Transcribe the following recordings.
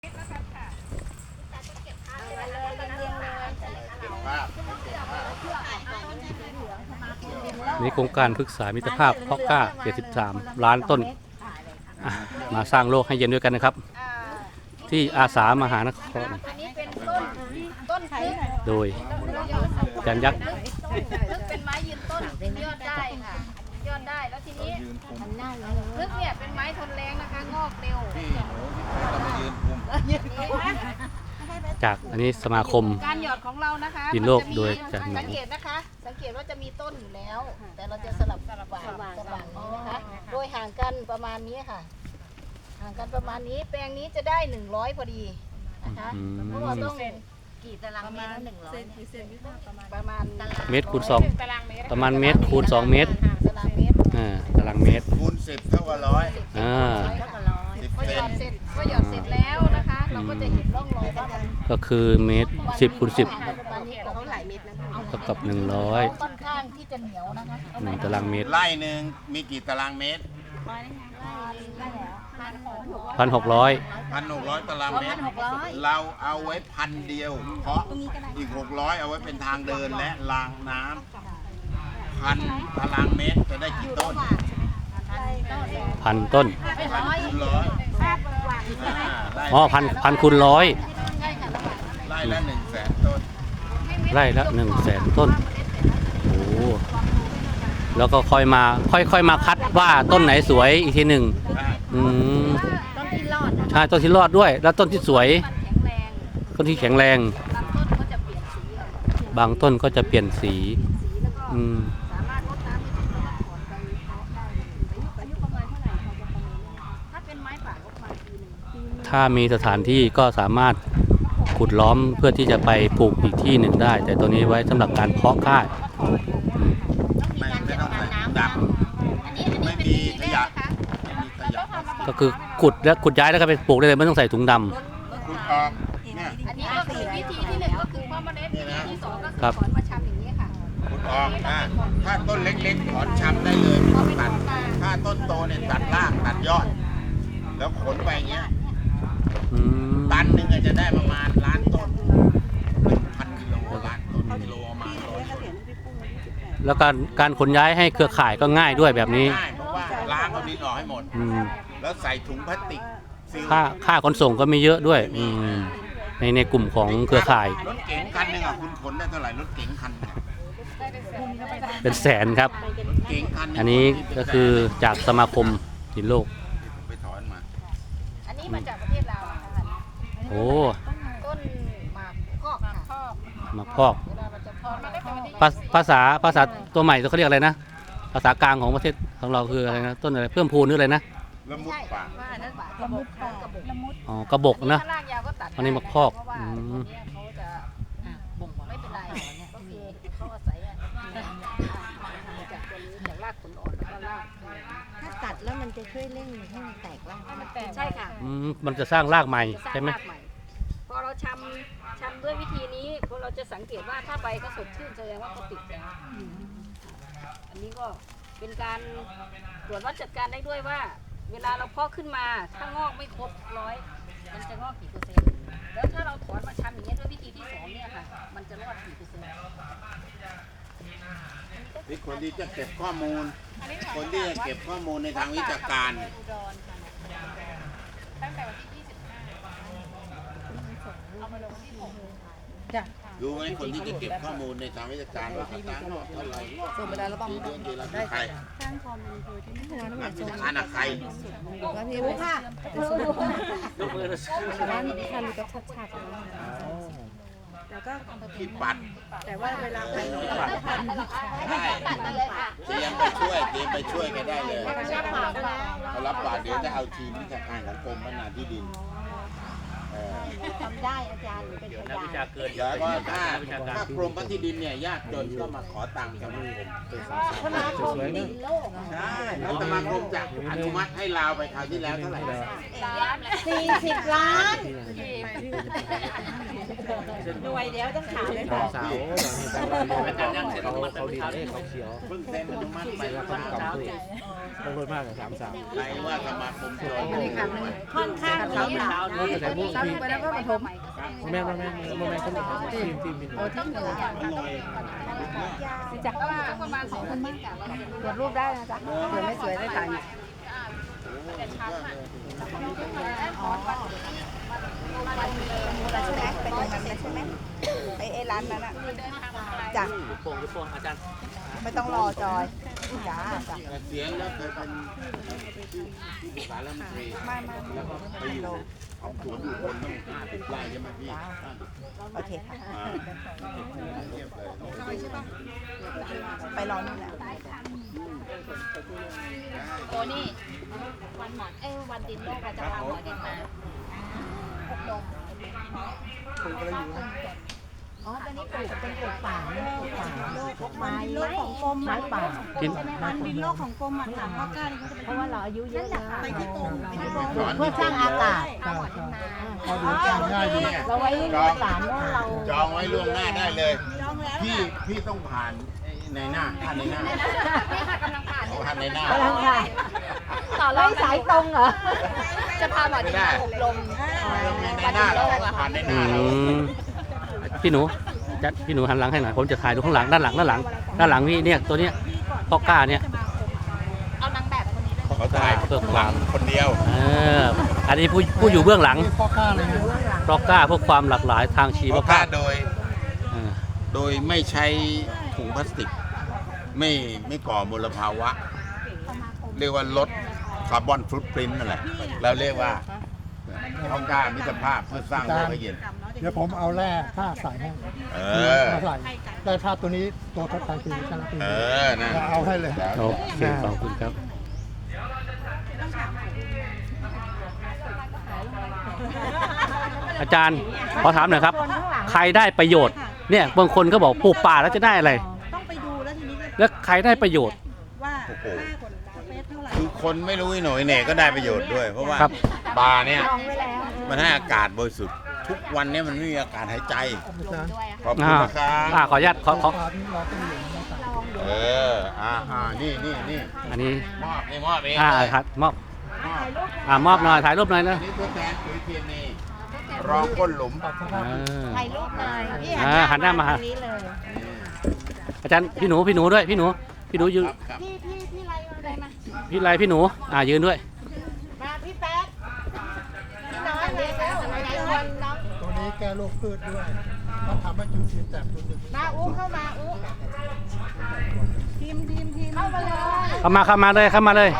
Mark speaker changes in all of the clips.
Speaker 1: นี่โครงการพฤกษามิตรภาพเพาะกล้า73 ล้านต้นมาสร้างโลกให้เย็นด้วยกันนะครับที่อาสามหานครโดยจันยักษ์
Speaker 2: เป็นไม้ยืนต้นยอดได้ค่ะยอดได้แล้วทีนี้ลึกเนี่ยเป็นไม้ทนแรงนะคะงอกเร็ว
Speaker 1: จากอันนี้สมาคม
Speaker 2: การหยอดของเรานะคะ
Speaker 1: ดินโลกโดยจัน
Speaker 2: สังเกตนะคะสังเกตว่าจะมีต้นอยู่แล้วแต่เราจะสลับว่างนี้นะคะโดยห่างกันประมาณนี้ค่ะห่างกันประมาณนี้แปลงนี้จะได้100พอดีนะคะเพราะว่าต้องกี่ตารางเมตร100ประมาณ
Speaker 1: เมตรคูณ2ประมาณเมตรคูณ2เมตรตารางเมตร
Speaker 3: คูณ10เท่ากับ100
Speaker 2: พอหยอดเสร็จแล้วนะคะเราก็จะเห็นร่องรอยว่า
Speaker 1: ก็คือเมตร10คูณ10เท่ากับ100
Speaker 2: ค่อนข้างที่จะเหนียวนะคะ
Speaker 1: 1ตารางเมตร
Speaker 3: ไร่หนึ่งมีกี่ตารางเมตร1,600ตารางเมตรเราเอาไว้1,000เดียวเพราะอีก600เอาไว้เป็นทางเดินและรางน้ำ1,000ตารางเมตรจะได้กี่ต้น
Speaker 1: 1,000 ต้นอ๋อพันคูณ100
Speaker 3: ไร่ละ100,000 ต้น
Speaker 1: ไร่ละ100,000 ต้นโอ้แล้วก็ค่อยมาคัดว่าต้นไหนสวยอีกทีหนึ่ง
Speaker 2: ต้นที่รอด
Speaker 1: ใช่ต้นที่รอดด้วยแล้วต้นที่สวยต้นที่แข็งแรงบางต้นก็จะเปลี่ยนสีถ้ามีสถานที่ก็สามารถขุดล้อมเพื่อที่จะไปปลูกอีกที่หนึ่งได้แต่ตัวนี้ไว้สำหรับการเพาะกล้า
Speaker 3: ไม่ต้องใส่ดำไม่มีขยะ
Speaker 1: ก็คือขุดย้ายแล้วก็ไปปลูกได้เลยไม่ต้องใส่ถุงดำ
Speaker 3: ขุดออกเนี่ย
Speaker 2: อันนี้ก็คือวิธีที่1ก็คือเพาะเมล็ดวิธีที่2ก็คือถอนมาชำอย่างนี้ค่ะ
Speaker 3: ขุดออกถ้าต้นเล็กๆถอนชำได้เลยไม่ต้องตัดถ้าต้นโตเนี่ยตัดรากตัดยอดแล้วขนไปอย่างเงี้ยตันหนึ่งจะได้ประมาณ1,000,000 ต้น1,000 กิโลล้านต้นกิโลมา
Speaker 1: แล้วการขนย้ายให้เครือข่ายก็ง่ายด้วยแบบนี้
Speaker 3: ง่ายเพราะว่าล้างเอาดินออกให้หมดแล้วใส่ถุงพลาสติก
Speaker 1: ค่าขนส่งก็ไม่เยอะด้วยในกลุ่มของเครือข่าย
Speaker 3: รถเก๋งคันหนึ่งคุณขนได้เท่าไหร่รถเก๋งคัน
Speaker 1: เป็นแสนครับอันนี้ก็คือจากสมาคมดินโลก
Speaker 3: ไปถอนมา
Speaker 2: อันนี้มาจากประเทศลาว
Speaker 1: โอ้
Speaker 2: ต้นหมากพอกค่ะ
Speaker 1: หมากพอกภาษาตัวใหม่เขาเรียกอะไรนะภาษากลางของประเทศของเราคืออะไรนะต้นอะไรเพิ่มพูนหรืออะไรนะ
Speaker 3: ละมุดป่า
Speaker 1: อ๋อกระบกนะอันนี้หมากพอก
Speaker 2: เขาจะบ่งบอกไม่เป็นไรก็คือเขาอาศัยจากรากขนอ่อนแล้วก็ราก
Speaker 4: ถ้าตัดแล้วมันจะช่วยเร่งให้มันแตกราก
Speaker 2: ใช่ค่ะ
Speaker 1: มันจะสร้างรากใหม่ใช่ไหม
Speaker 2: พอเราชำด้วยวิธีนี้พอเราจะสังเกตว่าถ้าใบก็สดชื่นแสดงว่าเขาติดแล้วอันนี้ก็เป็นการตรวจวัดจัดการได้ด้วยว่าเวลาเราเพาะขึ้นมาถ้างอกไม่ครบ100มันจะงอกกี่เปอร์เซ็นต์แล้วถ้าเราถอนมาชำอย่างนี้ด้วยวิธีที่2เนี่ยค่ะมันจะรอดกี่เปอร์เซ็นต์
Speaker 3: นี่คนที่จะเก็บข้อมูลคนที่จะเก็บข้อมูลในทางวิชาการ
Speaker 2: ตั้งแต่วันที่
Speaker 3: ดูไหมคนที่จะเก็บข้อมูลในทางวิชาการว่าต่างๆเท่าไหร่ส่งไปแล้วเราบอกได้ใครข้างคอมมันคือที่ไม่นักวิชาการใคร
Speaker 4: แล้วพี่รู้ค่ะร้านทำกับชัดๆแล้วก็
Speaker 3: ผิดปัด
Speaker 4: แต่ว่าเวลาพัน
Speaker 3: ได้เตรียมไปช่วยกันได้เลยเขารับปากเดี๋ยวจะเอาทีมวิชาการของกรมพัฒนาที่ดิน
Speaker 4: ทำได้อาจารย์เป็นพยาน
Speaker 3: แล้วก็ถ้ากรมพัฒนาที่ดินเนี่ยยากจนก็มาขอตังค์สมาคม
Speaker 4: สมาคมดินโลก
Speaker 3: ใช่แล้วสมาคมจะอนุมัติให้ลาวไปคราวที่แล้วเท่าไหร่
Speaker 4: 40 ล้านหน่วยเดี๋ยวต้องถามเลย
Speaker 5: สอง
Speaker 4: ค่ะ
Speaker 5: สาวเขาดีเขาเขียว
Speaker 3: เพิ่งเซ็นอนุมัติไป
Speaker 5: แล้วก็กำด้วยต้องรถมากกับ3 สาว
Speaker 3: ใครว่าสมาคมโจร
Speaker 4: ค่อนข้างนี้
Speaker 5: แต่พวกทีม
Speaker 2: ไปแล้วก็ปฐม
Speaker 5: แม่คนนี้ทีมมิน
Speaker 2: จากประมาณ2 คนมากกัน
Speaker 4: ตรวจรูปได้นะจ๊ะเผื่อไม่สวยได้ถ่าย
Speaker 6: ใช่ไหมไปตรงนั้นเลยใช่ไหมไอ้ร้านนั้นอ่ะจ้ะ
Speaker 1: โป่งอาจารย์
Speaker 6: ไม่ต้องรอจอยจ้าจ้ะ
Speaker 3: เสียงแล้วเคยเป็นที่สารรัฐมนตรี
Speaker 6: ไม่
Speaker 3: แล้วก็ไปอยู่ของสวนอยู่บนต้อง50 ไร่ใช่ไหมพี่
Speaker 6: โอเคค่ะ
Speaker 3: อ่าเงียบเลย
Speaker 6: ไปรอนู่นแหละ
Speaker 2: โอ้นี่วันหมอนวันดินโลกเราจะพาหมอดินมา
Speaker 4: อ๋อตอนนี้ปลูกเป็นปลูกป่าเนี่ยปลูกป่าโลกไม้
Speaker 6: โลกของกรม
Speaker 4: ไม้ป่า
Speaker 1: กิน
Speaker 6: มันบินโลกของกรมอ่ะถามพ่อกล้าดิเขาจะ
Speaker 4: เพราะว่าเราอายุเยอะแล้ว
Speaker 6: ไปที่กรมไปที่กรม
Speaker 4: เพื่อสร้างอากาศ
Speaker 6: เขาดูจำง่ายดี
Speaker 4: เราไว้ลูกหลานว่าเรา
Speaker 3: จองไว้ล่วงหน้าได้เลย พี่ต้องผ่านในหน้าท่านในหน้า
Speaker 2: นี่ค่ะกำลังผ่าน
Speaker 3: เอาท่านในหน้า
Speaker 4: กำลังค่ะไม่สายตรงเหรอ
Speaker 2: จะพาหมอดินมาอบรม
Speaker 3: ในหน้าเราผ่านในห
Speaker 1: อื
Speaker 3: น้าเรา
Speaker 1: มพี่หนูหันหลังให้หน่อยผมจะถ่ายดูข้างหลังด้านหลังพี่เนี่ยตัวเนี้ยพ่อกล้าเนี่ย
Speaker 2: เอานางแบบคนนี้เลย
Speaker 3: เขาถ่ายเพื่อหวังคนเดียว
Speaker 1: อันนี้ผู้อยู่เบื้องหลังพ่อกล้าเพื่อความหลากหลายทางชีว
Speaker 3: เพราะ
Speaker 1: ภา
Speaker 3: ค่า
Speaker 1: พ
Speaker 3: โดยไม่ใช้ถุงพลาสติก ไม่ก่อมลภาวะ เรียกว่าลดคาร์บอนฟุตปรินต์นั่นแหละเราเรียกว่าเพราะค่ามิตรภาพเพื่อสร้างโลกให้เย็น
Speaker 7: เดี๋ยวผมเอาแร่ผ้าใส่ให้
Speaker 3: เออ
Speaker 7: มาใส่แร่ผ้าตัวนี้ตัวทดแทนคือชนะปี
Speaker 3: เออนะ
Speaker 7: เราเอาให้เลย
Speaker 1: โอเคขอบคุณครับ อาจารย์ขอถามหน่อยครับ ใครได้ประโยชน์เนี่ยบางคนก็บอกปลูกป่าแล้วจะได้อะไร
Speaker 6: ต้องไปดูแล้วทีนี้
Speaker 1: แล้วใครได้ประโยชน์
Speaker 6: ว่า
Speaker 3: โอ้โห
Speaker 6: ค่าคนสเปซเท่าไหร่
Speaker 3: คือคนไม่รู้หน่อยเนี่ยก็ได้ประโยชน์ด้วย เพราะว่า
Speaker 1: ครับ
Speaker 3: ป่าเนี่ย
Speaker 4: ลองไว้แล้ว
Speaker 3: มันให้อากาศบริสุทธิ์ทุกวันเนี้มันไม่มีอากาศหายใจ
Speaker 7: อาจารย์
Speaker 3: ขอบคุณนะครับ
Speaker 1: ขออนุญาตขอ
Speaker 7: เราต้องอยู่ในสาย
Speaker 3: เออนี่
Speaker 1: อันนี้
Speaker 3: มอบนี่มอบเอง
Speaker 1: ครับมอบ
Speaker 3: มอบ
Speaker 1: มอบหน่อยถ่ายรูปหน่อยนะ
Speaker 3: อันนี้ตัวแทนปุ๋ยเคมีรองก้นหลุม
Speaker 4: ถ่ายรูปหน่อยพี่
Speaker 1: หันหน้ามา
Speaker 4: ตรงนี้เลย
Speaker 1: อาจารย์พี่หนูยืน
Speaker 3: ครับ
Speaker 4: พี่ไรมาเลยมา
Speaker 1: พี่หนูยืนด้วย
Speaker 4: มาพี่แป๊ดพี่น้อยมาแล้วไหนคนน้อง
Speaker 7: ตัวนี้แก้โรคพืชด้วยต้องทำให้จุดสีแตกตัวหนึ่ง
Speaker 4: มาอู้เข้ามาอู้ทีมเข้ามาเลย
Speaker 1: เข้ามาเลย
Speaker 4: เราเป็น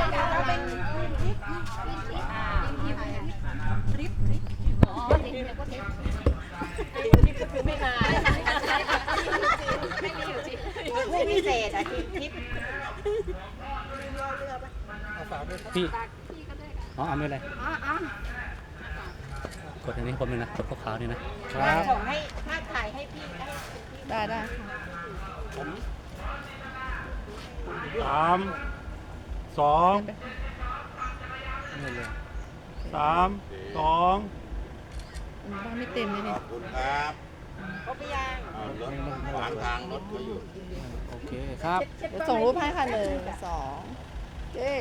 Speaker 4: ไม่พิเศษอ่ะทิป
Speaker 7: เอาฝากด้วย
Speaker 1: พี่เอาไม่เป็นไรกดอันนี้คนนึงนะกดขาวๆนี่นะ
Speaker 4: ส่งให้ภาพถ่ายให้พี่
Speaker 6: ได้
Speaker 5: 3 2 3 2
Speaker 6: ไม่เต็มเลย
Speaker 3: ข
Speaker 6: นี่
Speaker 3: อบคุณครับ
Speaker 4: ครบหรือยัง
Speaker 3: รถขวางทางรถเขาอยู่
Speaker 1: โอเคครับ
Speaker 6: ส่งรูปให้ค่ะ1 2เจ๊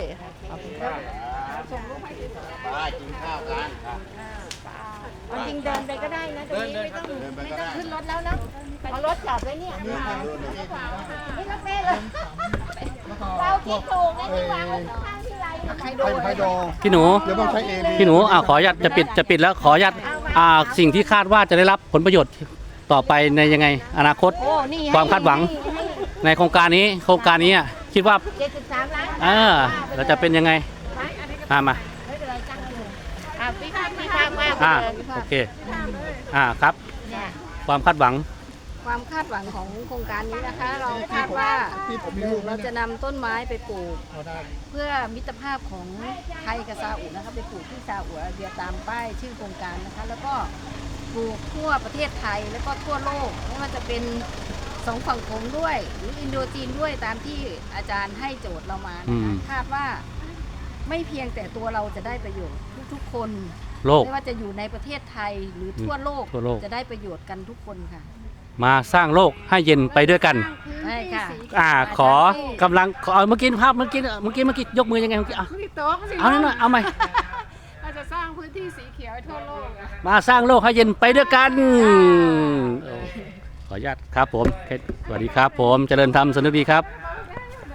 Speaker 3: ได้กินข้าวกัน
Speaker 4: เอาจริงเดินไปก็ได้นะตรงนี้ไม่ต้อง
Speaker 3: เดินไปก็ได้
Speaker 4: ขึ้นรถแล้วนะเอารถจอดไว้เนี่ยไม่รถเมล์เลยเราคิดถูกนะที่วางไว้ข้างที่ไรใครโดน
Speaker 7: ไฮโดร
Speaker 1: พี่หนู
Speaker 7: เดี๋ยวต้องใช้เอบี
Speaker 1: พี่หนูขออนุญาตจะปิดแล้วขออนุญาตสิ่งที่คาดว่าจะได้รับผลประโยชน์ต่อไปในยังไงอนาคต
Speaker 4: โอ้นี่
Speaker 1: ความคาดหวัง ในโครงการนี้คิดว่า
Speaker 4: 73 ล้าน
Speaker 1: เราจะเป็นยังไงมา
Speaker 4: ไม่เป็นไรจ้างเลยพี่ข้างมากเลย
Speaker 1: โอเคครับ
Speaker 4: เนี่ย
Speaker 1: ความคาดหวัง
Speaker 2: ความคาดหวังของโครงการนี้นะคะ เราคาดว่า
Speaker 7: ที่ผมมีรูป
Speaker 2: เราจะนำต้นไม้ไปปลูก
Speaker 7: เอาได้
Speaker 2: เพื่อมิตรภาพของไทยกับซาอุนะคะไปปลูกที่ซาอุอาระเบียตามป้ายชื่อโครงการนะคะ แล้วก็ปลูกทั่วประเทศไทยแล้วก็ทั่วโลกไม่ว่าจะเป็นสองฝั่งโขงด้วย หรืออินโดจีนด้วยตามที่อาจารย์ให้โจทย์เรามานะคะคาดว่าไม่เพียงแต่ตัวเราจะได้ประโยชน์ทุกๆคน
Speaker 1: โลก
Speaker 2: ไม่ว่าจะอยู่ในประเทศไทยหรือทั่วโลก
Speaker 1: ทั่วโลก
Speaker 2: จะได้ประโยชน์กันทุกคนค่ะ
Speaker 1: มาสร้างโลกให้เย็นไปด้วยกัน
Speaker 2: ใช่ค่ะ
Speaker 1: ขอกำลังขอเอาเมื่อกี้ภาพเมื่อกี้ยกมือยังไงเมื่อกี้เอาหน่อยเอาใหม่
Speaker 8: เราจะสร้างพื้นที่สีเขียวให้ทั่วโลกอะ
Speaker 1: มาสร้างโลกให้เย็นไปด้วยกันขออนุญาตครับผมสวัสดีครับผมเจริญธรรมสนุกดีครับ